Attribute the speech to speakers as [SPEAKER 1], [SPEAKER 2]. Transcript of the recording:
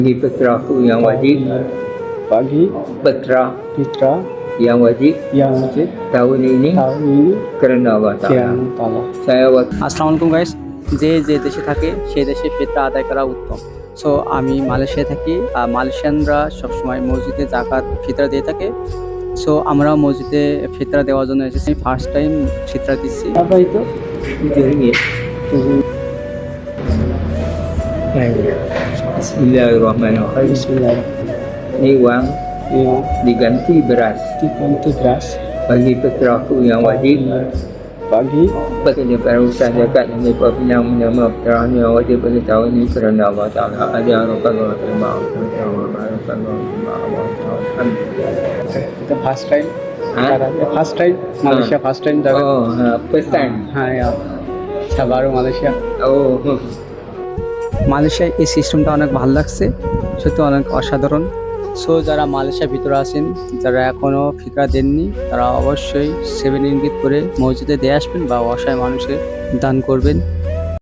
[SPEAKER 1] Bagi putraku yang wajib
[SPEAKER 2] bagi
[SPEAKER 1] putra
[SPEAKER 2] putra
[SPEAKER 1] yang wajib
[SPEAKER 2] yang wajib
[SPEAKER 1] tahun ini
[SPEAKER 2] tahun ini
[SPEAKER 1] kerana Allah Ta'ala.
[SPEAKER 2] yang তাআলা
[SPEAKER 1] Saya waktu
[SPEAKER 3] আসসালামু আলাইকুম guys, যে যে দেশে থাকে সেই দেশে ফিতরা আদায় করা উত্তম। সো আমি মালয়েশিয়ায় থাকি। মালয়েশিয়ানরা সবসময় মসজিদে জাকাত ফিতরা দিয়ে থাকে। সো আমরাও মসজিদে ফিতরা দেওয়ার জন্য এসেছি। ফার্স্ট টাইম ফিতরা দিচ্ছি।
[SPEAKER 2] apa itu
[SPEAKER 1] RM7. Bismillahirrahmanirrahim.
[SPEAKER 2] Bismillahirrahmanirrahim.
[SPEAKER 1] Ini wang
[SPEAKER 2] yang
[SPEAKER 1] diganti beras
[SPEAKER 2] dibantu beras
[SPEAKER 1] bagi putraku yang wajib
[SPEAKER 2] bagi
[SPEAKER 1] bagi perusahaan zakat yang dipinang menama putranya yang wajib bagi tahun ini kerana Allah Ta'ala. Ada harapan Allah terima harapan Allah terima.
[SPEAKER 2] itu first time
[SPEAKER 1] Hah?
[SPEAKER 2] first time Malaysia first time jaga
[SPEAKER 1] Oh, first time.
[SPEAKER 2] ya baru Malaysia
[SPEAKER 1] Oh,
[SPEAKER 3] মালয়েশিয়ায় এই সিস্টেমটা অনেক ভালো লাগছে, সত্যি অনেক অসাধারণ। So যারা মালয়েশিয়ার ভিতরে আছেন, যারা এখনও ফিতরা দেননি, তারা অবশ্যই 7 রিঙ্গিত করে মসজিদে দিয়ে আসবেন বা অসহায় মানুষকে দান করবেন।